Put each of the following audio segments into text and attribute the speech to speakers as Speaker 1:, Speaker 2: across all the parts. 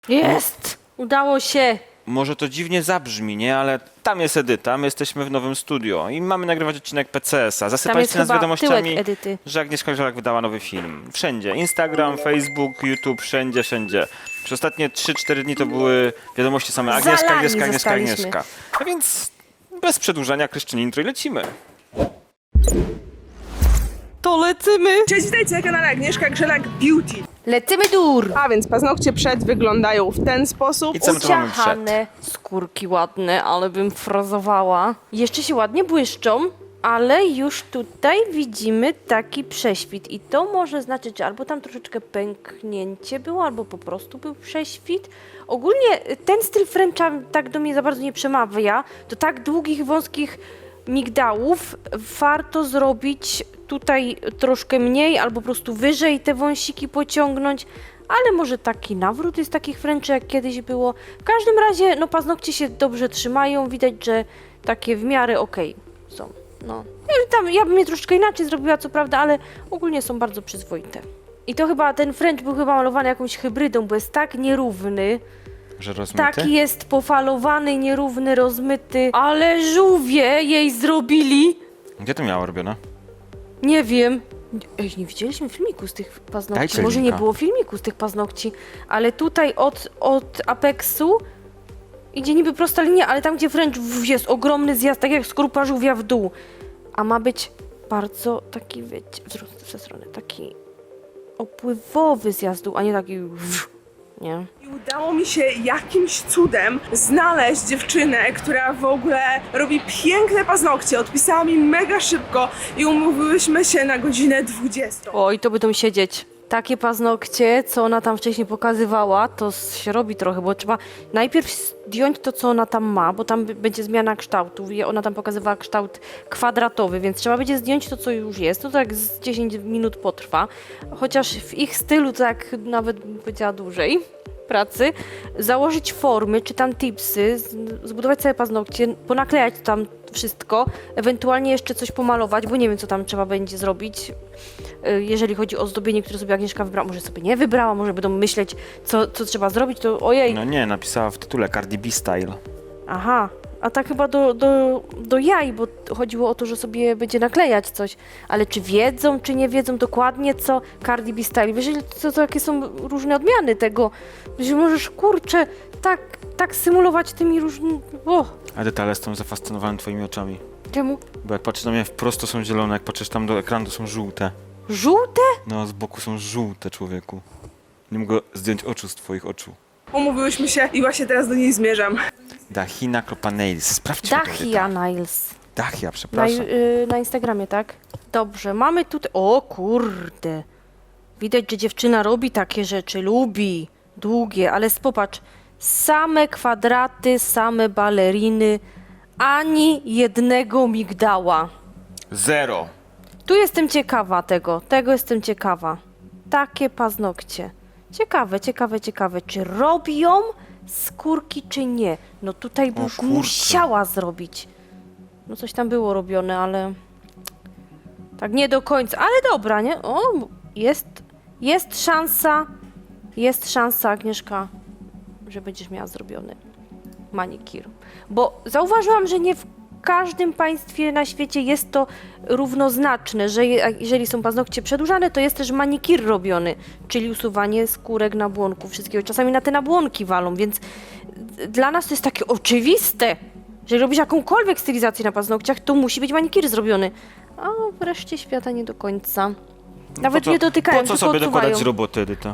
Speaker 1: Jest! Udało się!
Speaker 2: Może to dziwnie zabrzmi, nie? Ale tam jest Edyta, my jesteśmy w nowym studio i mamy nagrywać odcinek PCS-a.
Speaker 1: Tam jest
Speaker 2: Zasypaliście nas
Speaker 1: chyba
Speaker 2: wiadomościami,
Speaker 1: tyłek Edyty.
Speaker 2: że Agnieszka Grzelak wydała nowy film. Wszędzie. Instagram, Facebook, YouTube, wszędzie, wszędzie. Przez ostatnie 3-4 dni to były wiadomości same Agnieszka,
Speaker 1: Zalani
Speaker 2: Agnieszka, Agnieszka,
Speaker 1: zostaliśmy.
Speaker 2: Agnieszka. A więc bez przedłużania Kryszczyny intro i lecimy.
Speaker 1: To lecimy!
Speaker 3: Cześć, witajcie na kanale Agnieszka Grzelak Beauty.
Speaker 1: Lecimy dur!
Speaker 3: A więc paznokcie przed wyglądają w ten sposób.
Speaker 2: I co my tu mamy przed?
Speaker 1: Uciachane, skórki ładne, ale bym frozowała. Jeszcze się ładnie błyszczą, ale już tutaj widzimy taki prześwit. I to może znaczyć, że albo tam troszeczkę pęknięcie było, albo po prostu był prześwit. Ogólnie ten styl Frencha tak do mnie za bardzo nie przemawia. Do tak długich, wąskich migdałów warto zrobić tutaj troszkę mniej, albo po prostu wyżej te wąsiki pociągnąć, ale może taki nawrót jest takich Frenczy, jak kiedyś było. W każdym razie, no paznokcie się dobrze trzymają, widać, że takie w miarę okej są. No. Ja bym je troszeczkę inaczej zrobiła, co prawda, ale ogólnie są bardzo przyzwoite. I to chyba, ten French był chyba malowany jakąś hybrydą, bo jest tak nierówny.
Speaker 2: Że rozmyty?
Speaker 1: Taki jest pofalowany, nierówny, rozmyty, ale żółwie jej zrobili.
Speaker 2: Gdzie to miało robione?
Speaker 1: Nie wiem. Ej, nie widzieliśmy filmiku z tych paznokci.
Speaker 2: Dajcie
Speaker 1: Może nie
Speaker 2: linka.
Speaker 1: było filmiku z tych paznokci, ale tutaj od apeksu idzie niby prosta linia, ale tam, gdzie French jest ogromny zjazd, tak jak skorupa żółwia w dół. A ma być bardzo taki, wiecie, w tę stronę, taki opływowy zjazd w dół, a nie taki nie.
Speaker 3: I udało mi się jakimś cudem znaleźć dziewczynę, która w ogóle robi piękne paznokcie. Odpisała mi mega szybko i umówiłyśmy się na godzinę 20.
Speaker 1: Oj, to będą siedzieć. Takie paznokcie, co ona tam wcześniej pokazywała, to się robi trochę, bo trzeba najpierw zdjąć to, co ona tam ma, bo tam będzie zmiana kształtu. Ona tam pokazywała kształt kwadratowy, więc trzeba będzie zdjąć to, co już jest. To tak z 10 minut potrwa, chociaż w ich stylu to tak nawet bym powiedziała dłużej pracy, założyć formy, czy tam tipsy, zbudować sobie paznokcie, ponaklejać tam wszystko, ewentualnie jeszcze coś pomalować, bo nie wiem, co tam trzeba będzie zrobić, jeżeli chodzi o zdobienie, które sobie Agnieszka wybrała. Może sobie nie wybrała, może będą myśleć, co trzeba zrobić, to ojej.
Speaker 2: No nie, napisała w tytule Cardi B Style.
Speaker 1: Aha, a tak chyba do jaj, bo chodziło o to, że sobie będzie naklejać coś. Ale czy wiedzą, czy nie wiedzą dokładnie, co Cardi B Style? Wiesz, co jakie są różne odmiany tego? Że możesz, kurczę, tak symulować tymi różnymi... O,
Speaker 2: Edyta, ale jestem zafascynowany twoimi oczami.
Speaker 1: czemu?
Speaker 2: Bo jak patrzysz na mnie wprost, to są zielone, jak patrzysz tam do ekranu, to są żółte.
Speaker 1: Żółte?
Speaker 2: No, z boku są żółte, człowieku. Nie mogę zdjąć oczu z twoich oczu.
Speaker 3: Umówiłyśmy się i właśnie teraz do niej zmierzam.
Speaker 2: Dahina Nails. Sprawdźmy to,
Speaker 1: Dahia
Speaker 2: Edyta.
Speaker 1: Niles.
Speaker 2: Dahia,
Speaker 1: Na,
Speaker 2: przepraszam.
Speaker 1: na Instagramie, tak? Dobrze, mamy tutaj... O kurde! Widać, że dziewczyna robi takie rzeczy, lubi. Długie, ale popatrz. Same kwadraty, same baleriny, ani jednego migdała.
Speaker 2: 0.
Speaker 1: Tu jestem ciekawa tego jestem ciekawa. Takie paznokcie. Ciekawe, czy robią skórki, czy nie. No tutaj by
Speaker 2: O
Speaker 1: już
Speaker 2: kurczę.
Speaker 1: musiała zrobić. No coś tam było robione, ale tak nie do końca. Ale dobra, nie? O, jest szansa, Agnieszka, że będziesz miała zrobiony manikir. Bo zauważyłam, że nie w każdym państwie na świecie jest to równoznaczne, że jeżeli są paznokcie przedłużane, to jest też manikir robiony, czyli usuwanie skórek, nabłonków, wszystkiego. Czasami na te nabłonki walą, więc dla nas to jest takie oczywiste. Jeżeli robisz jakąkolwiek stylizację na paznokciach, to musi być manikir zrobiony. A wreszcie świata nie do końca. Nawet nie dotykają,
Speaker 2: Po co
Speaker 1: tylko
Speaker 2: sobie
Speaker 1: odsuwają.
Speaker 2: dokładać z roboty, Edyta?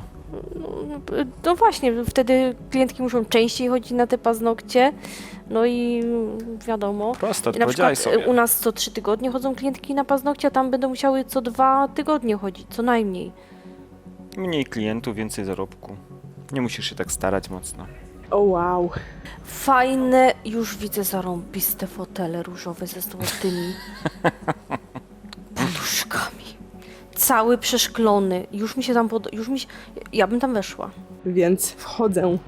Speaker 1: No właśnie, wtedy klientki muszą częściej chodzić na te paznokcie. No i wiadomo.
Speaker 2: Proste,
Speaker 1: I na
Speaker 2: odpowiedziałeś
Speaker 1: przykład
Speaker 2: sobie.
Speaker 1: u nas co 3 tygodnie chodzą klientki na paznokcie, a tam będą musiały co 2 tygodnie chodzić, co najmniej.
Speaker 2: Mniej klientów, więcej zarobku. Nie musisz się tak starać mocno.
Speaker 3: O wow.
Speaker 1: Fajne, już widzę zarąbiste fotele różowe ze złotymi poduszkami. Cały przeszklony. Już mi się tam ja bym tam weszła.
Speaker 3: Więc wchodzę.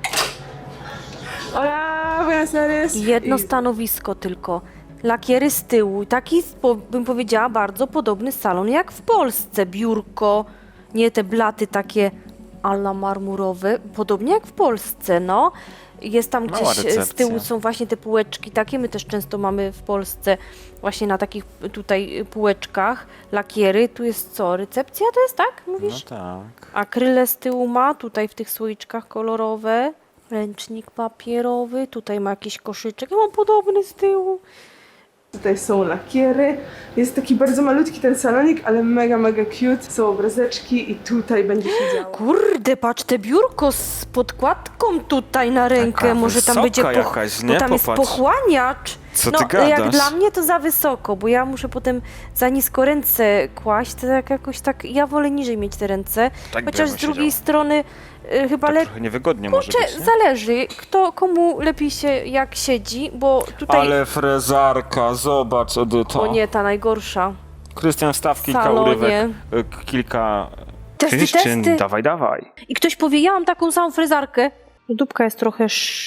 Speaker 3: Hola, buenas tardes.
Speaker 1: Jedno stanowisko tylko. Lakiery z tyłu. Taki, bym powiedziała, bardzo podobny salon jak w Polsce. Biurko, nie te blaty takie ala marmurowy, podobnie jak w Polsce, no. Jest tam
Speaker 2: Mała
Speaker 1: gdzieś z
Speaker 2: recepcja.
Speaker 1: tyłu są właśnie te półeczki, takie my też często mamy w Polsce, właśnie na takich tutaj półeczkach, lakiery. Tu jest co, recepcja to jest, tak?
Speaker 2: No
Speaker 1: Mówisz?
Speaker 2: tak.
Speaker 1: Akryle z tyłu ma, tutaj w tych słoiczkach kolorowe, ręcznik papierowy, tutaj ma jakiś koszyczek, ja mam podobny z tyłu.
Speaker 3: Tutaj są lakiery. Jest taki bardzo malutki ten salonik, ale mega, mega cute. Są obrazeczki i tutaj będzie się działo.
Speaker 1: Kurde, patrz, te biurko z podkładką tutaj na rękę,
Speaker 2: Taka
Speaker 1: może tam
Speaker 2: wysoka
Speaker 1: będzie
Speaker 2: jakaś,
Speaker 1: bo
Speaker 2: nie?
Speaker 1: tam jest
Speaker 2: Popatrz.
Speaker 1: pochłaniacz.
Speaker 2: Co
Speaker 1: No,
Speaker 2: ty gadasz?
Speaker 1: jak dla mnie to za wysoko, bo ja muszę potem za nisko ręce kłaść, to tak jakoś tak, ja wolę niżej mieć te ręce,
Speaker 2: Tak
Speaker 1: chociaż
Speaker 2: bym
Speaker 1: z drugiej
Speaker 2: siedział.
Speaker 1: strony chyba
Speaker 2: Tak
Speaker 1: lepiej.
Speaker 2: trochę niewygodnie może
Speaker 1: Kurczę,
Speaker 2: być, nie?
Speaker 1: zależy, komu lepiej się jak siedzi, bo tutaj...
Speaker 2: Ale frezarka, zobacz, Edyta.
Speaker 1: O nie, ta najgorsza.
Speaker 2: Krystian, wstaw kilka
Speaker 1: Salonie.
Speaker 2: urywek, kilka...
Speaker 1: Testy,
Speaker 2: Krystian,
Speaker 1: testy.
Speaker 2: dawaj.
Speaker 1: I ktoś powie, ja mam taką samą frezarkę. Dupka jest trochę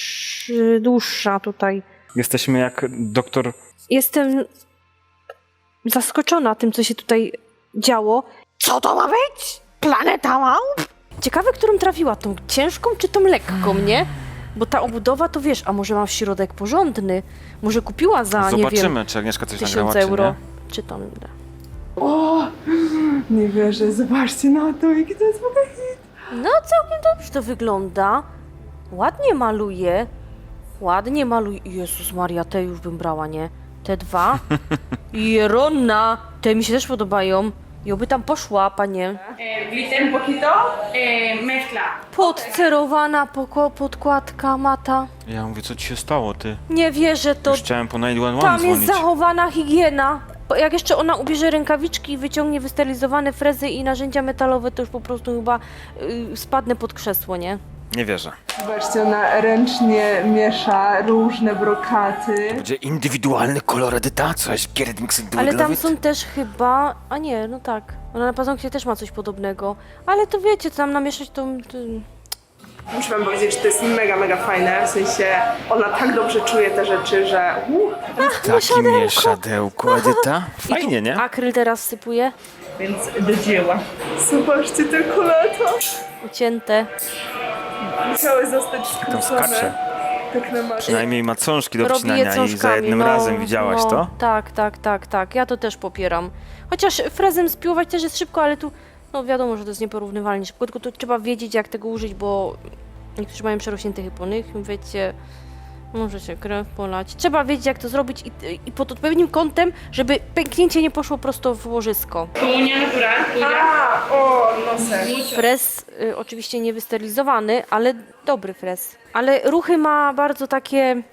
Speaker 1: dłuższa tutaj.
Speaker 2: Jesteśmy jak doktor...
Speaker 1: Jestem zaskoczona tym, co się tutaj działo. Co to ma być? Planeta małp? Ciekawe, którą trafiła, tą ciężką czy tą lekką, nie? Bo ta obudowa to wiesz, a może ma w środek porządny? Może kupiła za, nie wiem,
Speaker 2: Zobaczymy, czy Agnieszka coś
Speaker 1: 1000
Speaker 2: nagrała,
Speaker 1: euro.
Speaker 2: czy nie.
Speaker 1: Czy tam...
Speaker 3: O! Nie wierzę, zobaczcie na to, jaki to jest w ogóle hit.
Speaker 1: No, całkiem dobrze to wygląda. Ładnie maluje. Ładnie maluje. Jezus Maria, te już bym brała, nie? Te dwa. Jeronna! Te mi się też podobają. I oby tam poszła, panie.
Speaker 3: Glitter un poquito, mezcla.
Speaker 1: Podcerowana podkładka mata.
Speaker 2: Ja mówię, co ci się stało, ty?
Speaker 1: Nie wierzę, to
Speaker 2: Już chciałem po 911
Speaker 1: tam jest
Speaker 2: dzwonić.
Speaker 1: zachowana higiena. Bo jak jeszcze ona ubierze rękawiczki i wyciągnie wysterylizowane frezy i narzędzia metalowe, to już po prostu chyba spadnę pod krzesło, nie?
Speaker 2: Nie wierzę.
Speaker 3: Zobaczcie, ona ręcznie miesza różne brokaty.
Speaker 2: Będzie indywidualny kolor, Edyta? Coś
Speaker 1: Ale tam są też chyba... A nie, no tak. Ona na paznokcie też ma coś podobnego. Ale to wiecie, co tam namieszać to...
Speaker 3: Muszę wam powiedzieć, że to jest mega, mega fajne. W sensie ona tak dobrze czuje te rzeczy, że...
Speaker 2: Takie mieszadełko, Edyta? Fajnie, nie?
Speaker 1: Akryl teraz sypuje.
Speaker 3: Więc do dzieła. Zobaczcie te koleta.
Speaker 1: Ucięte.
Speaker 3: Musiały zostać
Speaker 2: Tam
Speaker 3: skrócone.
Speaker 2: skacze.
Speaker 3: Tak na maksa.
Speaker 2: Przynajmniej ma cążki do
Speaker 1: Robi je
Speaker 2: wcinania i za
Speaker 1: cążkami,
Speaker 2: jednym
Speaker 1: no,
Speaker 2: razem widziałaś
Speaker 1: no,
Speaker 2: to?
Speaker 1: Tak. Ja to też popieram. Chociaż frezem spiłować też jest szybko, ale tu... No wiadomo, że to jest nieporównywalnie szybko, tylko tu trzeba wiedzieć, jak tego użyć, bo niektórzy mają przerośnięte hypony, wiecie, może się krew polać. Trzeba wiedzieć, jak to zrobić i pod odpowiednim kątem, żeby pęknięcie nie poszło prosto w łożysko.
Speaker 4: Uña natural tuya.
Speaker 3: A, o, nosek.
Speaker 1: Frez oczywiście nie wystylizowany, ale dobry frez. Ale ruchy ma bardzo takie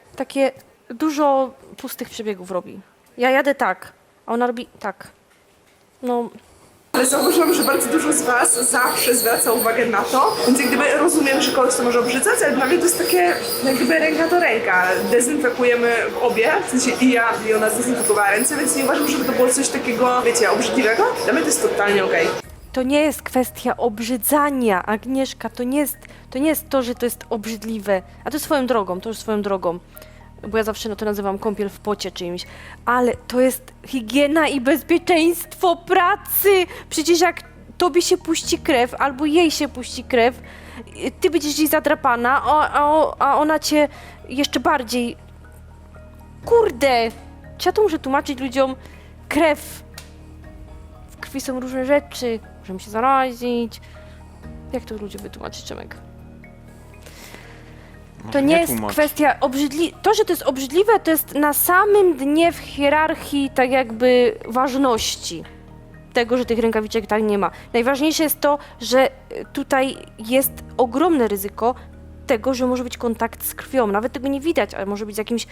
Speaker 1: dużo pustych przebiegów robi. Ja jadę tak, a ona robi tak. No,
Speaker 3: Ale zauważyłam, że bardzo dużo z was zawsze zwraca uwagę na to, więc jak gdyby rozumiem, że kogoś to może obrzydzać, ale dla mnie to jest takie jak gdyby ręka do ręka. Dezynfekujemy obie, w sensie i ja, i ona zdezynfekowała ręce, więc nie uważam, żeby to było coś takiego, wiecie, obrzydliwego. Dla mnie to jest totalnie okej.
Speaker 1: to nie jest kwestia obrzydzania, Agnieszka, to nie jest to, że to jest obrzydliwe. A to swoją drogą, to już swoją drogą. Bo ja zawsze to nazywam kąpiel w pocie czyimś. Ale to jest higiena i bezpieczeństwo pracy. Przecież jak tobie się puści krew, albo jej się puści krew, ty będziesz gdzieś zadrapana, a ona cię jeszcze bardziej... Kurde! Czy ja to muszę tłumaczyć ludziom? Krew. W krwi są różne rzeczy. Możemy się zarazić. Jak to ludzie wytłumaczyć, Czemek? To nie jest
Speaker 2: tłumacz.
Speaker 1: kwestia To, że to jest obrzydliwe, to jest na samym dnie w hierarchii tak jakby ważności tego, że tych rękawiczek tak nie ma. Najważniejsze jest to, że tutaj jest ogromne ryzyko tego, że może być kontakt z krwią. Nawet tego nie widać, ale może być jakimś...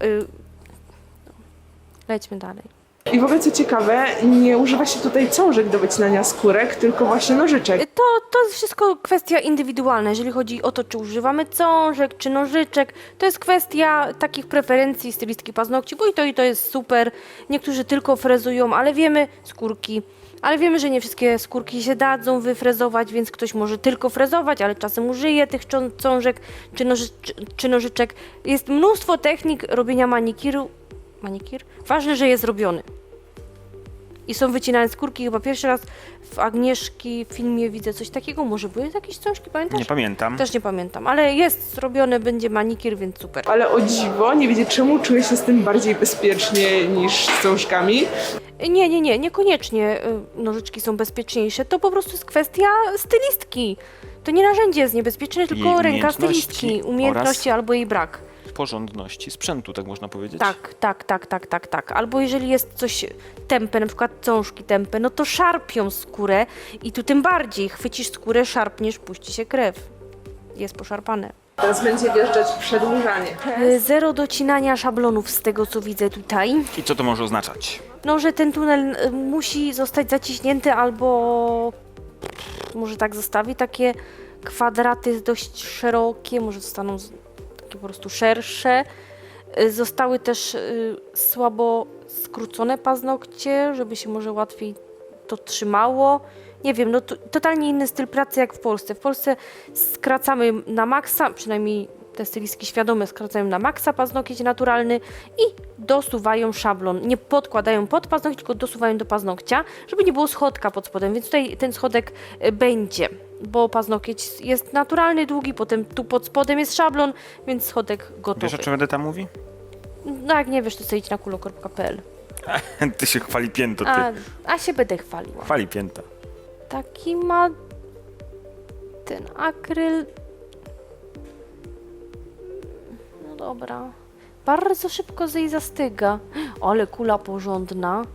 Speaker 1: Lećmy dalej.
Speaker 3: I w ogóle co ciekawe, nie używa się tutaj cążek do wycinania skórek, tylko właśnie nożyczek.
Speaker 1: To jest wszystko kwestia indywidualna, jeżeli chodzi o to, czy używamy cążek, czy nożyczek. To jest kwestia takich preferencji stylistki paznokci, bo i to jest super. Niektórzy tylko frezują, ale wiemy, skórki. Ale wiemy, że nie wszystkie skórki się dadzą wyfrezować, więc ktoś może tylko frezować, ale czasem użyje tych cążek czy nożyczek. Jest mnóstwo technik robienia manikir. Ważne, że jest robiony. I są wycinane skórki. Chyba pierwszy raz w Agnieszki filmie widzę coś takiego. Może były jakieś książki, pamiętasz?
Speaker 2: Nie pamiętam.
Speaker 1: Też nie pamiętam, ale jest zrobione, będzie manikier, więc super.
Speaker 3: Ale o dziwo, nie wiecie czemu, czuję się z tym bardziej bezpiecznie niż z książkami.
Speaker 1: Niekoniecznie nożyczki są bezpieczniejsze. To po prostu jest kwestia stylistki. To nie narzędzie jest niebezpieczne, tylko
Speaker 2: Jej
Speaker 1: ręka
Speaker 2: umiejętności
Speaker 1: stylistki. Umiejętności albo jej brak.
Speaker 2: Porządności sprzętu, tak można powiedzieć.
Speaker 1: Tak. Albo jeżeli jest coś tępe, na przykład cążki tępe, no to szarpią skórę i tu tym bardziej chwycisz skórę, szarpniesz, puści się krew. Jest poszarpane.
Speaker 3: Teraz będzie wjeżdżać przedłużanie.
Speaker 1: Zero docinania szablonów z tego, co widzę tutaj.
Speaker 2: I co to może oznaczać?
Speaker 1: No, że ten tunel musi zostać zaciśnięty albo może tak zostawi takie kwadraty dość szerokie, może zostaną takie po prostu szersze. Zostały też słabo skrócone paznokcie, żeby się może łatwiej to trzymało. Nie wiem, no totalnie inny styl pracy jak w Polsce. W Polsce skracamy na maksa, przynajmniej te stylistki świadome skracają na maksa paznokieć naturalny i dosuwają szablon. Nie podkładają pod paznokcie, tylko dosuwają do paznokcia, żeby nie było schodka pod spodem, więc tutaj ten schodek będzie, bo paznokieć jest naturalny, długi, potem tu pod spodem jest szablon, więc schodek gotowy.
Speaker 2: Wiesz, o czym Edyta mówi?
Speaker 1: No jak nie wiesz, to sobie idź na kulokor.pl.
Speaker 2: Ty się chwali pięto, ty.
Speaker 1: A się będę chwaliła.
Speaker 2: Chwali pięta.
Speaker 1: Taki ma ten akryl. No dobra. Bardzo szybko jej zastyga. Ale kula porządna.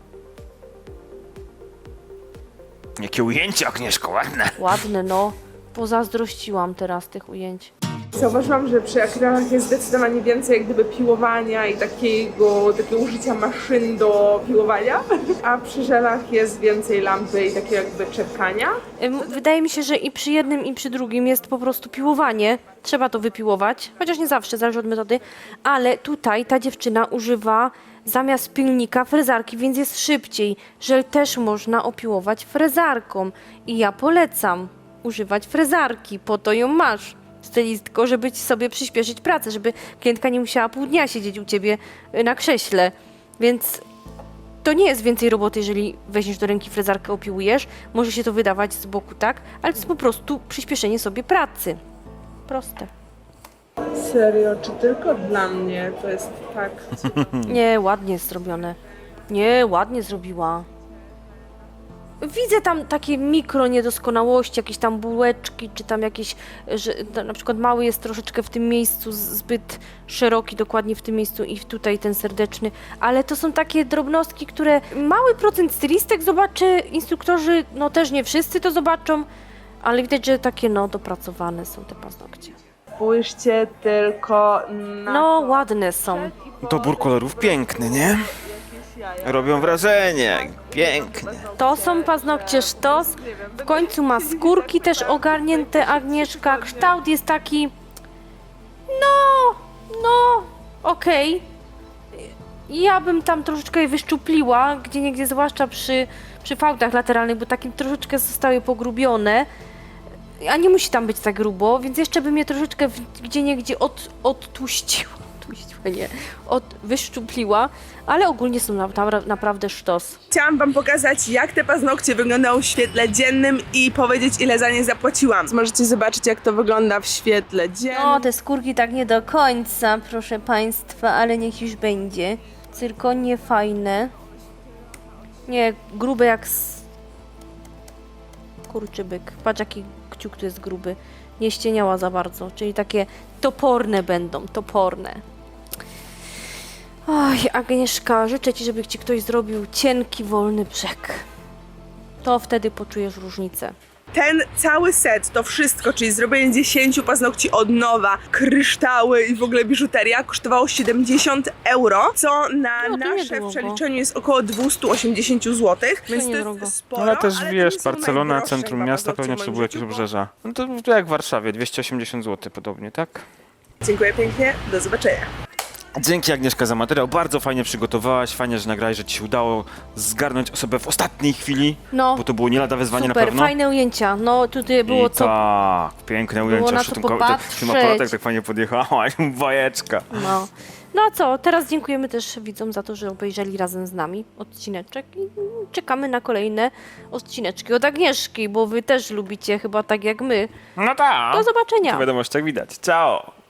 Speaker 2: Jakie ujęcie, Agnieszko, ładne.
Speaker 1: Ładne, no. Pozazdrościłam teraz tych ujęć.
Speaker 3: Zauważyłam, że przy akrylach jest zdecydowanie więcej jak gdyby piłowania i takiego użycia maszyn do piłowania, a przy żelach jest więcej lampy i takiego jakby czepkania.
Speaker 1: Wydaje mi się, że i przy jednym, i przy drugim jest po prostu piłowanie. Trzeba to wypiłować, chociaż nie zawsze, zależy od metody. Ale tutaj ta dziewczyna używa zamiast pilnika frezarki, więc jest szybciej. Żel też można opiłować frezarką. I ja polecam używać frezarki, po to ją masz, stylistko, żeby ci sobie przyspieszyć pracę, żeby klientka nie musiała pół dnia siedzieć u ciebie na krześle. Więc to nie jest więcej roboty, jeżeli weźmiesz do ręki frezarkę, opiłujesz. Może się to wydawać z boku, tak? Ale to jest po prostu przyspieszenie sobie pracy. Proste.
Speaker 3: Serio, czy tylko dla mnie to jest tak?
Speaker 1: Nie, ładnie jest zrobione. Nie, ładnie zrobiła. Widzę tam takie mikro niedoskonałości, jakieś tam bułeczki, czy tam jakieś, że na przykład mały jest troszeczkę w tym miejscu, zbyt szeroki dokładnie w tym miejscu i tutaj ten serdeczny, ale to są takie drobnostki, które mały procent stylistek zobaczy, instruktorzy, no też nie wszyscy to zobaczą, ale widać, że takie no dopracowane są te paznokcie.
Speaker 3: Spójrzcie tylko na
Speaker 1: No
Speaker 3: to.
Speaker 1: ładne są.
Speaker 2: Dobór kolorów piękny, nie? Robią wrażenie. Pięknie.
Speaker 1: To są paznokcie sztos. W końcu ma skórki też ogarnięte Agnieszka. Kształt jest taki... No, okej. Ja bym tam troszeczkę je wyszczupliła, gdzieniegdzie, zwłaszcza przy fałdach lateralnych, bo takim troszeczkę zostały pogrubione. A nie musi tam być tak grubo, więc jeszcze bym je troszeczkę gdzieniegdzie odtłuściła. Wyszczupliła, ale ogólnie są naprawdę sztos.
Speaker 3: Chciałam wam pokazać, jak te paznokcie wyglądają w świetle dziennym i powiedzieć, ile za nie zapłaciłam. Możecie zobaczyć, jak to wygląda w świetle dziennym.
Speaker 1: No, te skórki tak nie do końca, proszę państwa, ale niech już będzie. Cyrkonie fajne. Nie, grube jak kurczy byk. Patrz, jaki kciuk tu jest gruby. Nie ścieniała za bardzo, czyli takie toporne będą, toporne. Oj, Agnieszka, życzę ci, żeby ci ktoś zrobił cienki, wolny brzeg. To wtedy poczujesz różnicę.
Speaker 3: Ten cały set, to wszystko, czyli zrobienie 10 paznokci od nowa, kryształy i w ogóle biżuteria kosztowało 70 euro, co na
Speaker 1: No, to
Speaker 3: nasze
Speaker 1: niedrogo.
Speaker 3: w przeliczeniu jest około 280 zł, więc to
Speaker 1: niedrogo.
Speaker 3: jest sporo.
Speaker 2: Ale też
Speaker 3: to
Speaker 2: wiesz,
Speaker 3: nie są
Speaker 2: Barcelona,
Speaker 3: najdroższe
Speaker 2: centrum
Speaker 3: chyba
Speaker 2: miasta,
Speaker 3: paznokcie
Speaker 2: pewnie
Speaker 3: w moim
Speaker 2: trzeba jakieś
Speaker 3: życiu, bo-
Speaker 2: obrzeża. No to jak w Warszawie, 280 zł podobnie, tak?
Speaker 3: Dziękuję pięknie, do zobaczenia.
Speaker 2: Dzięki Agnieszka za materiał, bardzo fajnie przygotowałaś, fajnie, że nagrałeś, że ci się udało zgarnąć osobę w ostatniej chwili,
Speaker 1: No.
Speaker 2: bo to było nie lada wyzwanie na
Speaker 1: Super,
Speaker 2: pewno.
Speaker 1: fajne ujęcia. No tutaj było
Speaker 2: I tak, piękne ujęcia,
Speaker 1: na
Speaker 2: jeszcze
Speaker 1: co
Speaker 2: tym
Speaker 1: popatrzeć.
Speaker 2: aparatek tak fajnie podjechałaś, bajeczka.
Speaker 1: No. No a co, teraz dziękujemy też widzom za to, że obejrzeli razem z nami odcineczek i czekamy na kolejne odcineczki od Agnieszki, bo wy też lubicie chyba tak jak my.
Speaker 2: No tak.
Speaker 1: Do zobaczenia.
Speaker 2: W wiadomościach widać. Ciao.